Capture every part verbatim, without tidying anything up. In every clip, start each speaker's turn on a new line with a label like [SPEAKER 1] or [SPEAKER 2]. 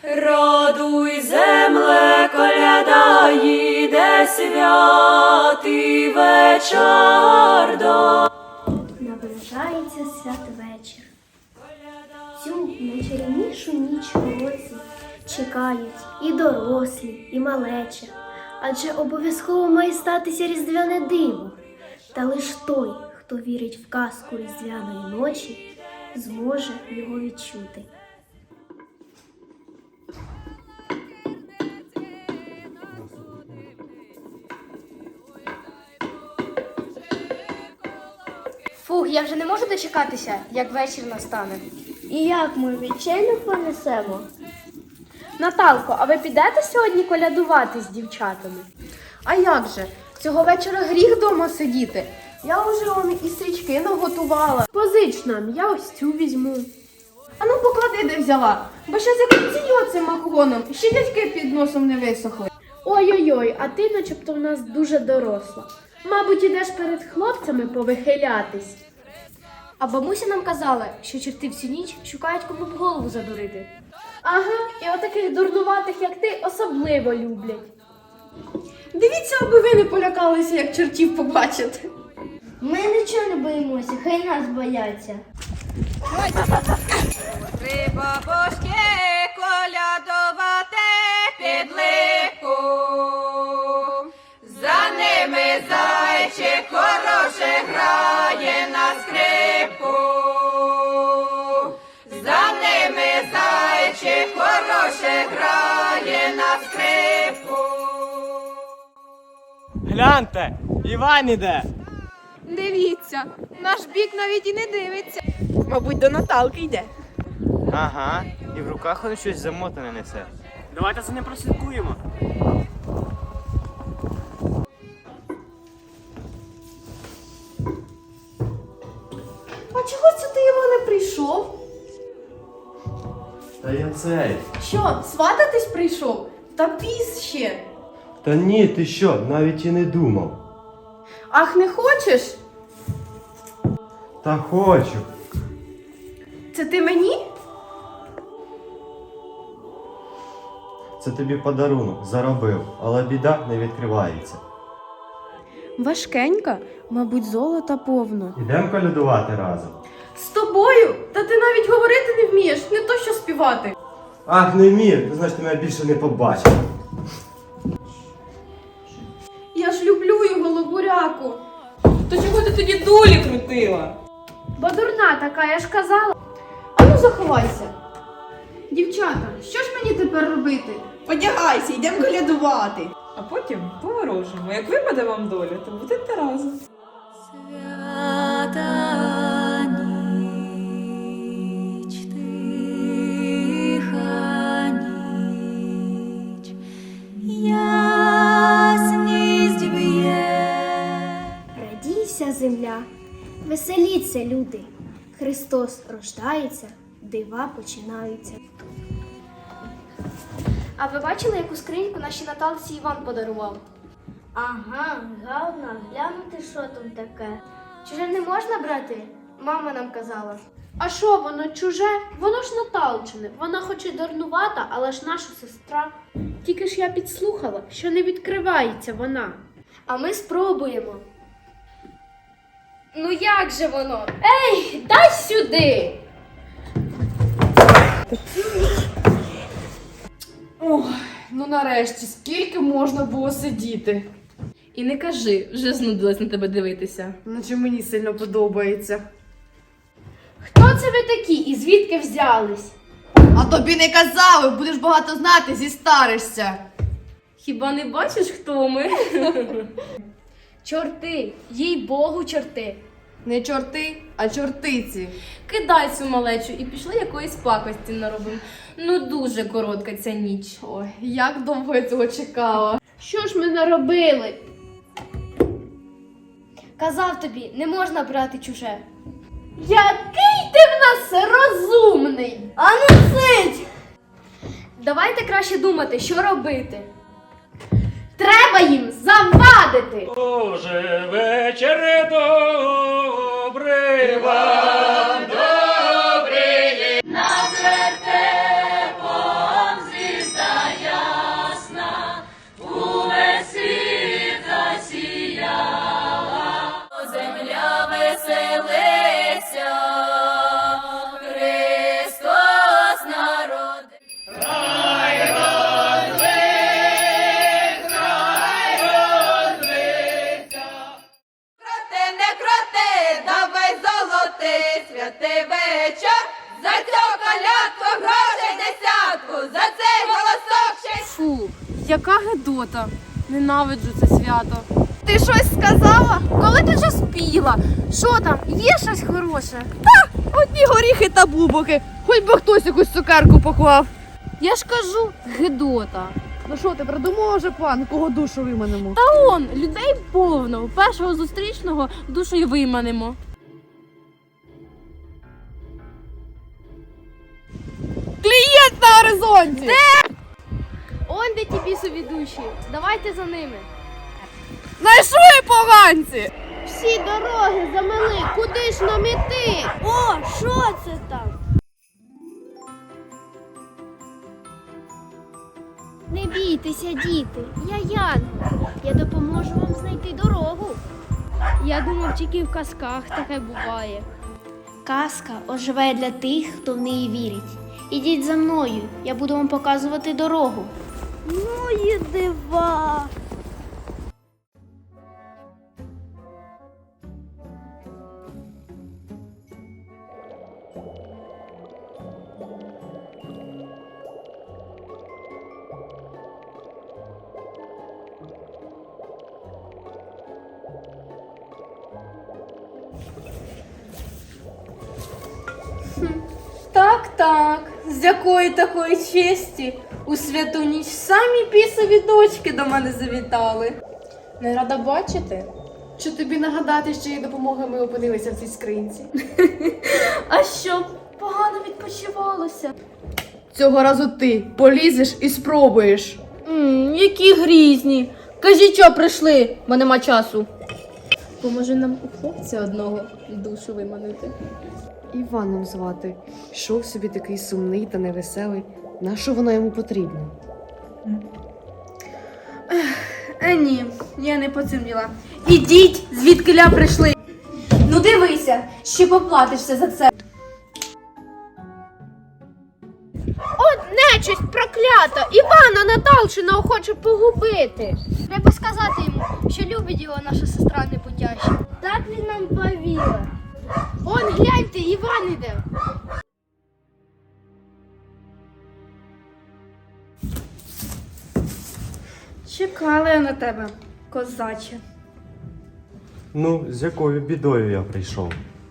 [SPEAKER 1] Радуй, земле, коляда їде, святий вечір до.
[SPEAKER 2] Наближається святвечір. Цю найчарівнішу ніч у році чекають і дорослі, і малеча. Адже обов'язково має статися різдвяне диво. Та лиш той, хто вірить в казку різдвяної ночі, зможе його відчути.
[SPEAKER 3] Фух, я вже не можу дочекатися, як вечір настане.
[SPEAKER 2] І як ми відчайно понесемо?
[SPEAKER 3] Наталко, а ви підете сьогодні колядувати з дівчатами? А як же? Цього вечора гріх дома сидіти. Я вже он і стрічки наготувала. Позич нам, я ось цю візьму. А ну поклади, де взяла, бо ще закрутію цим макогоном, ще дядьки під носом не висохли. Ой-ой-ой, а ти начебто в нас дуже доросла. Мабуть, ідеш перед хлопцями повихилятись. А бабуся нам казала, що черти всю ніч шукають, кому б голову задурити. Ага, і отаких дурнуватих, як ти, особливо люблять. Дивіться, аби ви не полякалися, як чортів побачите.
[SPEAKER 2] Ми нічого не боїмося, хай нас бояться.
[SPEAKER 1] Три бабушки колядувати під липку. За ними зайчик хороше грає на скрипку. За ними зайчик хороше грає на скрипку.
[SPEAKER 4] Гляньте, Іван іде.
[SPEAKER 5] Дивіться, наш бік навіть і не дивиться. Мабуть, до Наталки йде.
[SPEAKER 4] Ага, і в руках він щось замотане несе. Давайте за ним прослідкуємо.
[SPEAKER 3] А чого це ти, Іване, прийшов?
[SPEAKER 6] Та я цей.
[SPEAKER 3] Що, свататись прийшов? Та піс ще.
[SPEAKER 6] Та ні, ти що, навіть і не думав.
[SPEAKER 3] Ах, не хочеш?
[SPEAKER 6] Та хочу.
[SPEAKER 3] Це ти мені?
[SPEAKER 6] Це тобі подарунок, заробив, але біда не відкривається.
[SPEAKER 3] Важкенька, мабуть, золота повно.
[SPEAKER 6] Ідемо колядувати разом.
[SPEAKER 3] З тобою? Та ти навіть говорити не вмієш, не то що співати.
[SPEAKER 6] Ах, не вмію, то значить ти мене більше не побачиш.
[SPEAKER 3] Я ж люблю його, лобуряку.
[SPEAKER 1] То чого ти тоді долі крутила?
[SPEAKER 3] Бо дурна така, я ж казала. Ану, заховайся. Дівчата, що ж мені тепер робити?
[SPEAKER 5] Одягайся, йдемо колядувати.
[SPEAKER 1] А потім поворожимо. Як випаде вам доля, то будете разом. Свята ніч, тиха ніч, ясність б'є.
[SPEAKER 2] Радійся, земля, веселіться, люди. Христос рождається, дива починаються.
[SPEAKER 3] А ви бачили, яку скриньку нашій Наталці Іван подарував?
[SPEAKER 2] Ага, гарно, глянути, що там таке.
[SPEAKER 3] Чуже не можна брати? Мама нам казала. А що, воно чуже? Воно ж Наталчине. Вона хоч і дурнувата, але ж наша сестра. Тільки ж я підслухала, що не відкривається вона. А ми спробуємо. Ну як же воно? Ей, дай сюди!
[SPEAKER 5] Ой, ну нарешті, скільки можна було сидіти?
[SPEAKER 1] І не кажи, вже знудилась на тебе дивитися.
[SPEAKER 5] Наче мені сильно подобається.
[SPEAKER 3] Хто це ви такі і звідки взялись?
[SPEAKER 5] А тобі не казали, будеш багато знати, зістаришся.
[SPEAKER 1] Хіба не бачиш, хто ми?
[SPEAKER 3] Чорти, їй Богу, чорти.
[SPEAKER 5] Не чорти, а чортиці.
[SPEAKER 1] Кидай цю малечу і пішли якоїсь пакості наробимо. Ну дуже коротка ця ніч.
[SPEAKER 5] Ой, як довго я цього чекала.
[SPEAKER 3] Що ж ми наробили?
[SPEAKER 2] Казав тобі, не можна брати чуже.
[SPEAKER 3] Який ти в нас розумний!
[SPEAKER 2] А ну сидь!
[SPEAKER 3] Давайте краще думати, що робити. Треба їм завадити!
[SPEAKER 4] Боже, вечір добрий вам, добрий.
[SPEAKER 1] Над вертепом зі
[SPEAKER 3] яка гидота. Ненавиджу це свято.
[SPEAKER 5] Ти щось сказала?
[SPEAKER 3] Коли ти вже спіла? Що там? Є щось хороше?
[SPEAKER 5] Одні горіхи та бубоки. Хоч би хтось якусь цукерку поклав.
[SPEAKER 3] Я ж кажу, гидота.
[SPEAKER 5] Ну що, ти придумала вже план, кого душу виманемо?
[SPEAKER 3] Та он, людей повно. Першого зустрічного душою виманемо.
[SPEAKER 5] Клієнт на горизонті!
[SPEAKER 3] Он де ті бісові душі. Давайте за ними.
[SPEAKER 5] Знайшли поганці!
[SPEAKER 2] Всі дороги замели, куди ж нам іти? О, що це там? Не бійтеся, діти, я Янгол. Я допоможу вам знайти дорогу. Я думав, тільки в казках таке буває. Казка оживає для тих, хто в неї вірить. Ідіть за мною, я буду вам показувати дорогу. Ну і дива!
[SPEAKER 1] Так, так. З якої такої честі у святу ніч самі бісові дочки до мене завітали. Не рада бачити.
[SPEAKER 3] Чи тобі нагадати, що її допомоги ми опинилися в цій скринці?
[SPEAKER 1] А що, погано відпочивалося?
[SPEAKER 5] Цього разу ти полізеш і спробуєш.
[SPEAKER 1] Ммм, які грізні. Кажіть, що прийшли, бо нема часу. Поможе нам у хлопця одного душу виманити.
[SPEAKER 7] Іваном звати. Йшов собі такий сумний та невеселий. Нащо вона йому потрібна?
[SPEAKER 1] Е, ні, я не по цим діла. Ідіть, звідкиля прийшли. Ну дивися, ще поплатишся за це.
[SPEAKER 2] Нечисть проклята! Івана Наталчина хоче погубити. Треба сказати йому, що любить його наша сестра непутяща. Так він нам повірив. Он, гляньте, Іван іде.
[SPEAKER 1] Чекала я на тебе, козаче.
[SPEAKER 6] Ну, з якою бідою я прийшов?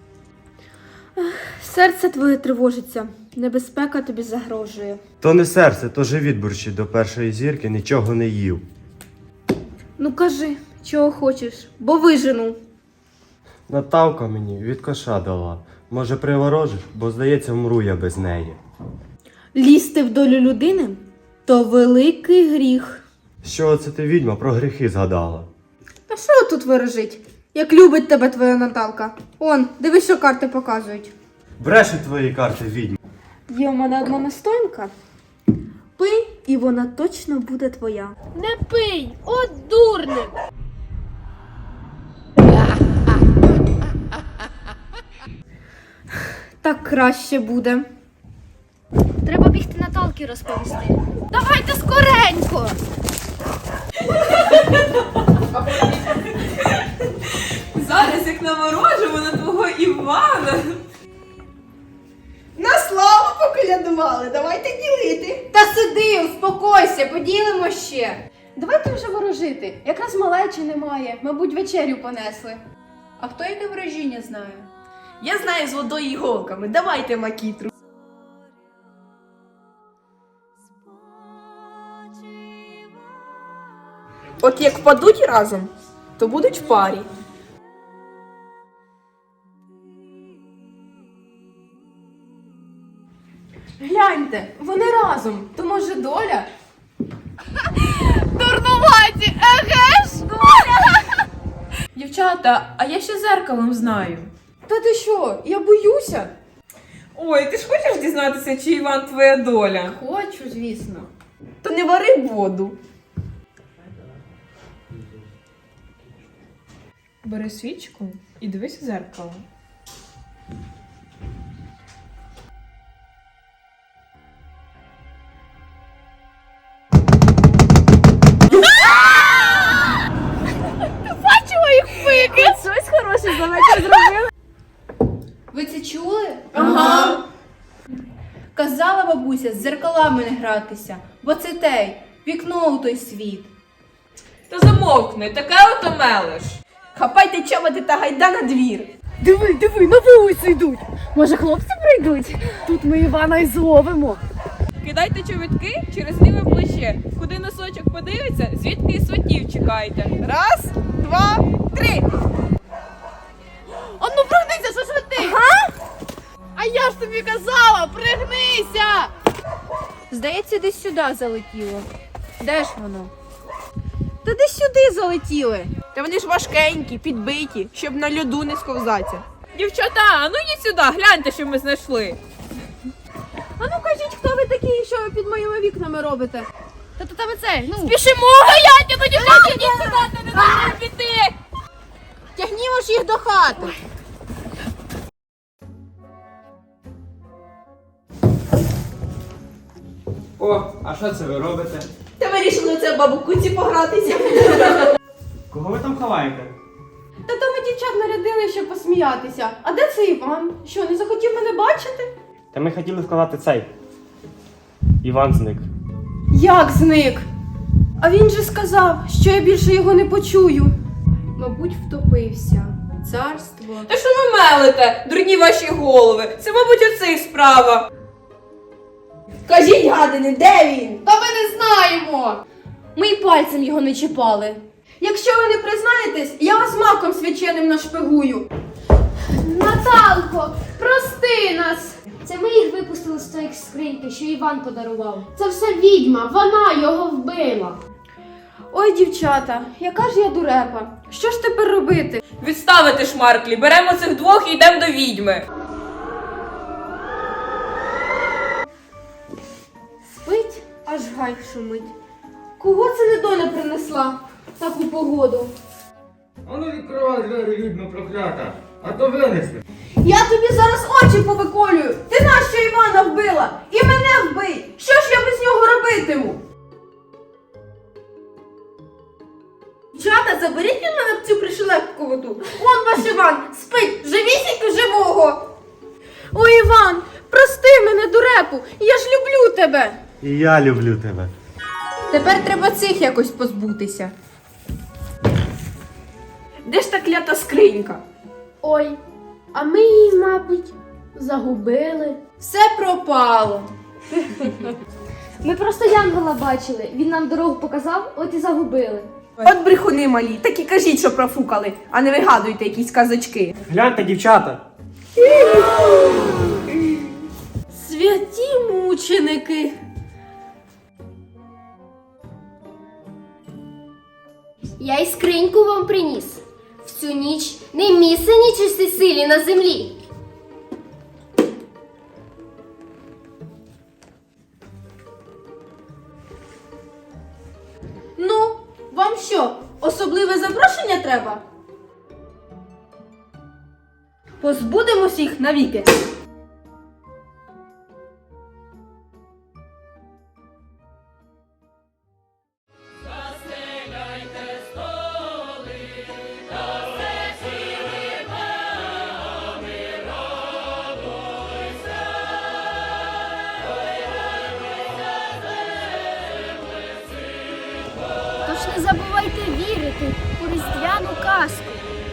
[SPEAKER 1] Серце твоє тривожиться, небезпека тобі загрожує.
[SPEAKER 6] То не серце, то живіт бурчить до першої зірки, нічого не їв.
[SPEAKER 1] Ну кажи, чого хочеш, бо вижену.
[SPEAKER 6] Наталка мені від коша дала. Може, приворожиш, бо здається, вмру я без неї.
[SPEAKER 1] Лізти в долю людини – то великий гріх.
[SPEAKER 6] Що це ти, відьма, про гріхи згадала?
[SPEAKER 1] Та що тут виражить, як любить тебе твоя Наталка? Он, дивись, що карти показують.
[SPEAKER 6] Брешуть твої карти, відьма.
[SPEAKER 1] Є у мене одна настоянка. Пий, і вона точно буде твоя.
[SPEAKER 2] Не пий, от дурник.
[SPEAKER 1] Так краще буде.
[SPEAKER 2] Треба бігти Наталки розповісти. Давайте скоренько.
[SPEAKER 5] Зараз як наворожимо на твого Івана. На славу поколядували, давайте ділити.
[SPEAKER 1] Та сиди, успокойся, поділимо ще.
[SPEAKER 3] Давайте вже ворожити. Якраз малечі немає. Мабуть, вечерю понесли.
[SPEAKER 1] А хто яке ворожіння знає?
[SPEAKER 5] Я знаю з водою і голками, давайте макітру. От як впадуть разом, то будуть в парі.
[SPEAKER 3] Гляньте, вони разом. То може доля?
[SPEAKER 5] Дурнуваті, еге ж?
[SPEAKER 8] Дівчата, а я ще зеркалом знаю.
[SPEAKER 3] Та ти що? Я боюся.
[SPEAKER 8] Ой, ти ж хочеш дізнатися, чи Іван твоя доля?
[SPEAKER 3] Хочу, звісно.
[SPEAKER 8] То не вари воду. Бери свічку і дивись у зеркало.
[SPEAKER 3] Щось хороше за вечір зробили. Ви це чули?
[SPEAKER 1] Ага. Казала бабуся з зеркалами не гратися, бо це тей, вікно у той світ.
[SPEAKER 8] Та замовкни, таке ото мелиш.
[SPEAKER 5] Хапайте чоботи та гайда на двір.
[SPEAKER 7] Диви, диви, на вулицю йдуть. Може, хлопці прийдуть? Тут ми Івана і зловимо.
[SPEAKER 8] Кидайте чобітки через ліве плече. Куди носочок подивиться, звідки і сватів чекайте. Раз, два, три.
[SPEAKER 3] Ану, пригнися, що ж ви ти? Ага? А я ж тобі казала, пригнися!
[SPEAKER 1] Здається, десь сюди залетіло. Де ж воно? Та десь сюди залетіли.
[SPEAKER 5] Та вони ж важкенькі, підбиті, щоб на льоду не сковзатися.
[SPEAKER 8] Дівчата, а ну йдіть сюди, гляньте, що ми знайшли.
[SPEAKER 3] А ну кажіть, хто ви такі і що ви під моїми вікнами робите? Та то тебе це, ну.
[SPEAKER 8] Пішимо, гаяньте, ну дівчата, йдіть сюди, не дайте піти.
[SPEAKER 3] Тягнімо ж їх до хати.
[SPEAKER 4] О, а що це ви робите?
[SPEAKER 5] Та вирішили це бабу куці погратися.
[SPEAKER 4] Кого ви там ховаєте?
[SPEAKER 3] Та то ми дівчат нарядили, щоб посміятися. А де це Іван? Що, не захотів мене бачити?
[SPEAKER 4] Та ми хотіли вкладати цей. Іван зник.
[SPEAKER 3] Як зник? А він же сказав, що я більше його не почую.
[SPEAKER 1] Мабуть, втопився. Царство.
[SPEAKER 8] Та що ви мелите, дурні ваші голови? Це, мабуть, у цих справа.
[SPEAKER 5] Кажіть, гадини, де він?
[SPEAKER 3] Та ми не знаємо!
[SPEAKER 1] Ми й пальцем його не чіпали.
[SPEAKER 3] Якщо ви не признаєтесь, я вас маком свяченим нашпигую.
[SPEAKER 2] Наталко, прости нас! Це ми їх випустили з тої скриньки, що Іван подарував. Це все відьма, вона його вбила.
[SPEAKER 3] Ой, дівчата, яка ж я дурепа. Що ж тепер робити?
[SPEAKER 8] Відставити шмарклі, беремо цих двох і йдемо до відьми.
[SPEAKER 3] Спить, аж гай шумить. Кого це недоля принесла в таку погоду?
[SPEAKER 9] Ану відкривай двері, відьма проклята, а то винесли.
[SPEAKER 3] Я тобі зараз очі повиколюю. Ти нащо Івана вбила? І мене вбий. Що ж я без нього робитиму? Дівчата, заберіть від мене цю пришелепковоту. Он ваш Іван спить, живісінько живого. Ой, Іван, прости мене, дурепу, я ж люблю тебе.
[SPEAKER 6] І я люблю тебе.
[SPEAKER 1] Тепер треба цих якось позбутися.
[SPEAKER 5] Де ж та клята скринька?
[SPEAKER 2] Ой, а ми її, мабуть, загубили.
[SPEAKER 1] Все пропало.
[SPEAKER 2] Ми просто Янгола бачили, він нам дорогу показав, от і загубили.
[SPEAKER 5] От брехуни малі, так і кажіть, що профукали, а не вигадуйте якісь казочки.
[SPEAKER 4] Гляньте, дівчата.
[SPEAKER 1] Святі мученики.
[SPEAKER 2] Я й скриньку вам приніс. В цю ніч не місце нічисті силі на землі.
[SPEAKER 1] Ну, вам що, особливе запрошення треба? Позбудемось їх навіки.
[SPEAKER 2] Тож не забувайте вірити у різдвяну казку.